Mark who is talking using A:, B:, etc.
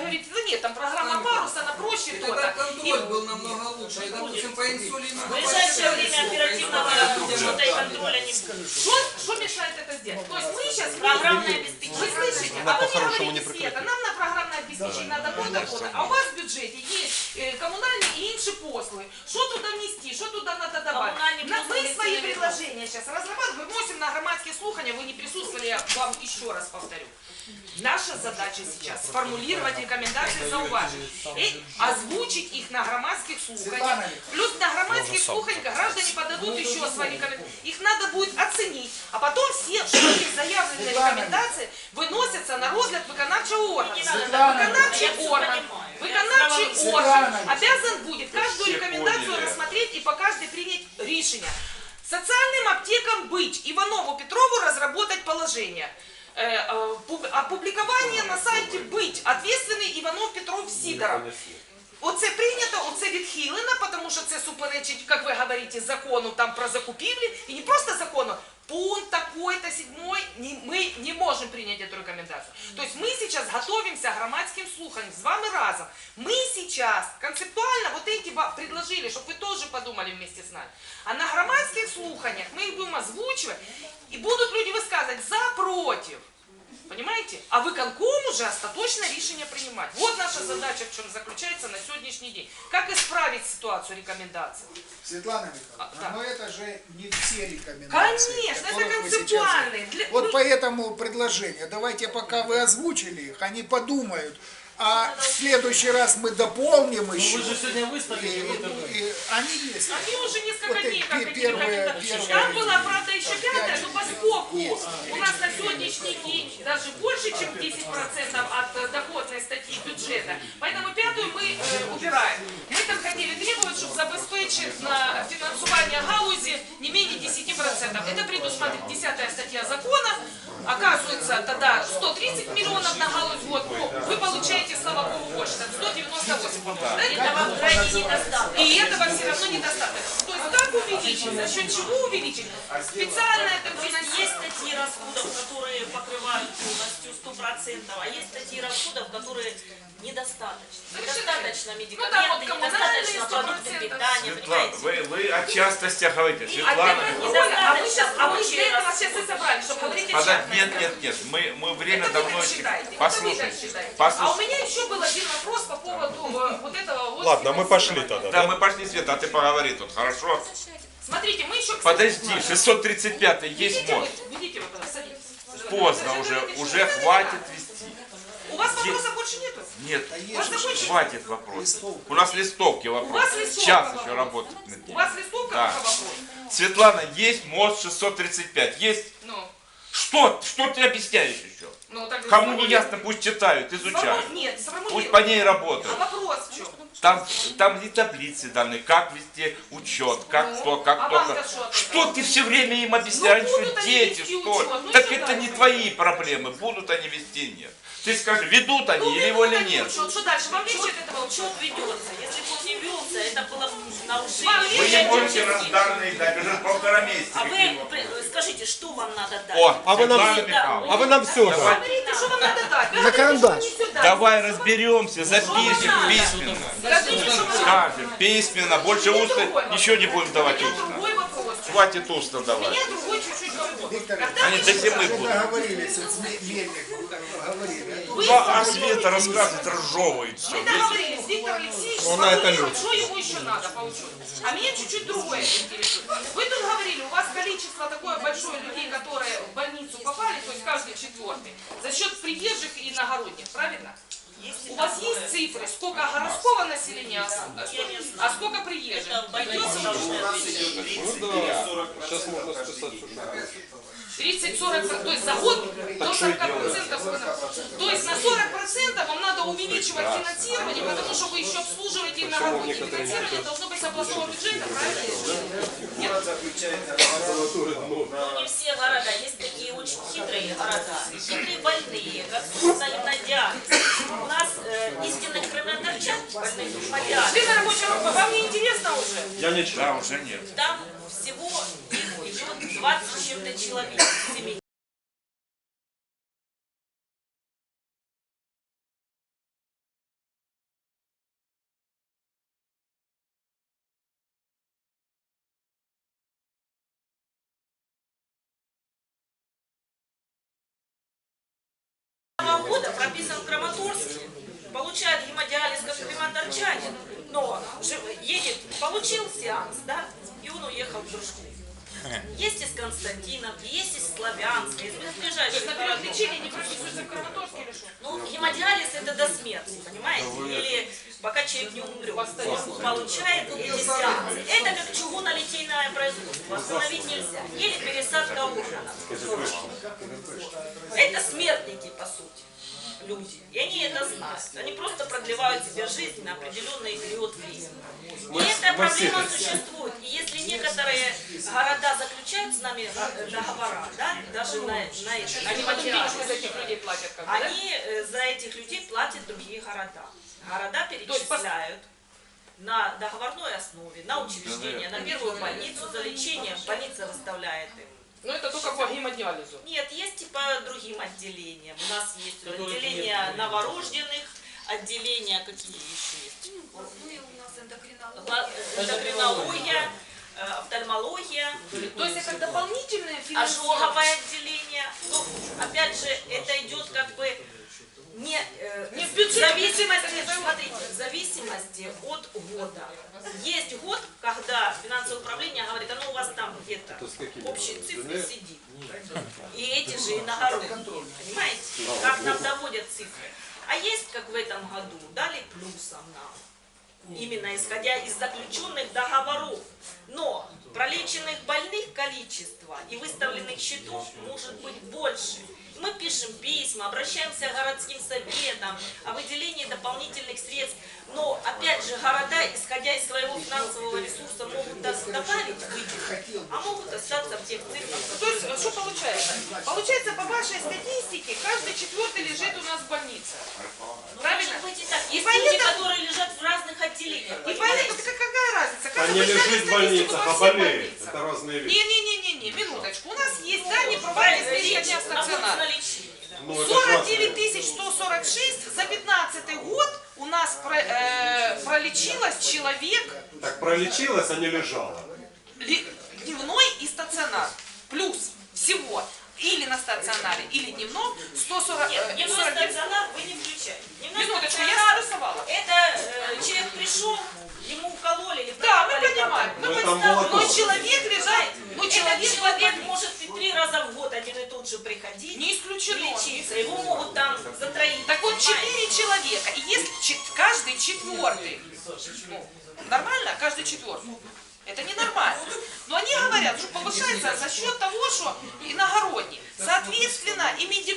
A: говорите, да нет, там программа парус, она проще то-то.
B: Контроль был намного лучше. И, допустим, по инсулину...
C: В ближайшее время оперативного учета и контроля не скажу.
A: Что мешает это сделать? То есть мы сейчас...
C: Программное
A: Вы
C: обеспечение.
A: слышите? А вы мне говорите, Света, нам на програмное обеспечение надо то-то, а у вас в бюджете есть коммунальные и інші послуги. Что туда внести, что туда надо добавить? Мы свои предложения сейчас разрабатываем, вносим на громадские слухания, вы не присутствовали, я вам еще раз повторю. Наша задача сейчас сформулировать рекомендации, зауважить и озвучить их на громадских слуханиях. Плюс на громадских слуханиях граждане подадут еще свои рекомендации. Их надо будет оценить, а потом все заявленные рекомендации выносятся на розгляд виконавчого органа. Виконавчий орган обязан будет каждую рекомендацию рассмотреть и по каждой принять решение. Социальным аптекам быть, Иванову Петрову разработать положение. Опубликование на сайте быть, ответственный Иванов Петров Сидоров. Оце прийнято, оце відхилено, тому що це суперечить, як ви говорите, закону там про закупівлі, і не просто закону, пункт такой-то, 7, мы не можем принять эту рекомендацию. То есть мы сейчас готовимся к громадским слуханиям с вами разом. Мы сейчас концептуально вот эти предложили, чтобы вы тоже подумали вместе с нами. А на громадских слуханиях мы их будем озвучивать, и будут люди высказывать за, против. Понимаете? А виконком уже остаточное решение принимать. Вот наша задача, в чем заключается на сегодняшний день. Как исправить ситуацию рекомендаций?
D: Светлана Михайловна, но это же не все рекомендации.
A: Конечно, это концептуальные.
D: Вот поэтому предложение, давайте пока вы озвучили их, они подумают. А в следующий раз мы дополним еще.
E: Вы же сегодня выставили.
D: Они есть.
A: Они уже несколько
D: Вот
A: дней как эти
D: первые.
A: рекомендации. Там была, правда, еще 5-я, но поскольку у нас на сегодняшний день даже больше, чем 10% от доходной статьи бюджета, поэтому 5-ю мы убираем. Мы там хотели требовать, чтобы забезпечить на финансирование галузи не менее 10%. Это предусматривает 10-я статья закона. Оказывается, тогда 130 миллионов на галузь в год. Вы получаете, слава богу, больше. Там 198, по-моему.
C: Этого крайне недостаточно.
A: И этого все равно недостаточно. То есть как увеличить? За счет чего увеличить? Специально это
C: Есть статьи расходов, которые покрывают полностью 100%, а есть статьи расходов, которые недостаточно. Недостаточно медикаменты, недостаточно продукты питания, понимаете?
F: Вы о частностях говорите, Светлана.
A: А вы для этого сейчас и собрали, чтобы говорить о частности.
F: Нет, мы время давно...
A: Послушайте. А у меня еще был один вопрос по поводу вот этого... Вот
G: ладно, мы пошли тогда.
F: Да, мы пошли, Света, а ты поговори тут, хорошо?
A: Смотрите, мы еще...
F: Подожди, 635 есть мост.
A: Видите, вот садитесь.
F: Поздно уже хватит вести.
A: У вас вопросов больше нету?
F: Нет,
A: закончили?
F: хватит вопросов. У нас листовки вопросы.
A: У вас листовка
F: Час
A: вопрос.
F: еще работать над
A: У
F: ним.
A: вас листовка
F: Да.
A: пока вопрос?
F: Светлана, есть мост 635? Есть?
A: Ну,
F: Что ты объясняешь еще?
A: ну так...
F: Кому не ясно, пусть читают, изучают.
A: Нет, самому
F: Пусть
A: нет.
F: по ней
A: А
F: работают.
A: вопрос в чем?
F: Там и таблицы даны, как вести учет, как
A: Ну,
F: кто, как
A: а
F: кто.
A: вам-то что от
F: Что
A: этого?
F: ты все время им объясняешь,
A: Ну,
F: что
A: будут они
F: дети,
A: вести
F: что?
A: учет, ну,
F: Так
A: что
F: это
A: дальше?
F: не твои проблемы, будут они вести, нет. Ты скажи, ведут они или его или нет.
A: Что дальше? Вам легче от этого
C: Учет ведется. Если бы он не велся, это было бы нарушение.
F: Вы не можете разданные дать, уже 1,5 месяца.
C: А вы скажите, что вам надо дать?
F: О,
G: А вы нам,
F: Светлана Михайловна,
G: а вы нам все
F: Давай.
A: Говорите, что вам надо дать. Вы
D: За
A: говорите,
D: карандаш.
A: что не сюда.
F: Давай разберемся, запишем письменно.
A: Скажите, что вам надо.
F: Скажем, письменно, больше
A: У меня
F: устно,
A: другой
F: ничего не
A: вопрос.
F: будем давать
A: У меня
F: устно.
A: другой вопрос.
F: Хватит устно
A: У
F: давать.
A: меня другой чуть-чуть вопрос.
D: Виктор,
A: Когда
F: Они
A: вы
F: до зимы
A: считаете,
F: будут.
D: договорились с Мельником, говорили.
A: вы
F: Ну, а
A: со мной
F: Света рассказывает, разжевывает все.
A: Мы договорились, Виктор Алексеевич,
G: Ну, она это
A: сформулировал,
G: любит.
A: что ему еще надо по учету. А меня чуть-чуть другое интересует. Вы тут говорили, у вас количество такое большое людей, которые в больницу попали, то есть каждый 4-й, за счет приезжих и иногородних, правильно? У вас есть цифры, сколько городского населения, а сколько приезжих?
C: Это в больнице должны ответить.
G: Сейчас можно списать уже.
A: 30-40%, то есть за год до 40%. То есть на 40% вам надо увеличивать финансирование, потому что вы еще обслуживаете иногородние. Финансирование должно быть с областного бюджета, правильно? Нет?
C: Но не все города. Есть такие очень хитрые города. Хитрые больные, как на диализ. У нас истинных кровоточат больных по диализу.
A: Члена рабочей группы, вам не интересно уже?
G: Я не
F: Да, уже нет.
C: Там всего их идет 20 с чем-то человек. Семей. прописан в Краматорске, получает гемодиализ как краматорчанин, но едет, получил сеанс, да, и он уехал в Дружку. Есть из Константиновки, есть из Славянска, из ближайших городов.
A: Лечение не прописывается в Краматорске или что?
C: Ну, гемодиализ это до смерти, понимаете? Или пока человек не умрет, он получает эти сеансы. Это как чугунолитейное производство, остановить нельзя. Или пересадка органов. Это смертники, по сути, люди. И они это знают. Они просто продлевают себе жизнь на определенный период времени. И эта проблема существует. И если некоторые города заключают с нами договора, да, даже на это,
A: Они потом денежку за этих людей платят как бы, да?
C: они за этих людей платят другие города. Города перечисляют на договорной основе, на учреждение, на первую больницу за лечение, больница выставляет им.
A: Ну это только по гемодиализу.
C: Нет, есть и по другим отделениям. У нас есть отделение новорожденных, отделения какие еще есть?
E: Ну и у нас эндокринология.
C: Эндокринология, офтальмология,
A: То есть это дополнительное финансирование.
C: ожоговое отделение. Ну, опять же, это идет как бы не
A: в
C: в
A: бюджете,
C: зависимости, смотрите, в зависимости от года. Есть год, когда финансовое управление говорит, оно у вас там где-то в общей цифре сидит. И эти же иногородние, понимаете, как нам доводят цифры. А есть, как в этом году, дали плюсом нам, именно исходя из заключенных договоров. Но пролеченных больных количество и выставленных счетов может быть больше. Мы пишем письма, обращаемся к городским советам о выделении дополнительных средств. Но, опять же, города, исходя из своего финансового ресурса, могут добавить выделить, а могут остаться в тех цифрах.
A: То есть, что получается? Получается, по вашей статистике, каждый четвертый лежит у нас в больнице.
C: Ну,
A: Правильно?
C: может быть и так.
A: И
C: Есть люди,
A: поэтому-
C: которые лежат в разных отделениях.
A: И
C: понимаете?
A: поэтому, какая разница?
G: А
A: Каждый
G: не
A: вы взяли
G: лежит в
A: статистику
G: больницах,
A: по
G: а
A: всем
G: болеет.
A: больницам.
G: Это разные вещи.
A: Не-не-не, минуточку. У нас есть данные про изменения дня
C: Находится
A: стационара.
C: на лечении. Да.
G: Ну, это
A: 49
G: классно.
A: 146 за 15 год у нас пролечилось человек
G: Так пролечилась, а не лежала.
A: дневной и стационар. Плюс всего или на стационаре, или дневном 140.
C: Нет, дневной стационар вы не включаете. Дневной
A: Минуточку, я
C: стационар
A: нарисовала.
C: это человек пришел, ему укололи или
A: Да, мы
C: прокапали
A: понимаем.
C: капли.
G: Ну, это
A: Но
G: амбулаторно.
A: человек лежит,
C: Этот человек может и 3 раза в год один и тот же приходить
A: не
C: и
A: исключено.
C: лечиться. Его могут там затроить.
A: Так вот,
C: понимаете?
A: 4 человека, и если каждый четвертый, нормально? Каждый четвертый. Это ненормально. Но они говорят, что повышается за счет того, что иногородний. Соответственно, и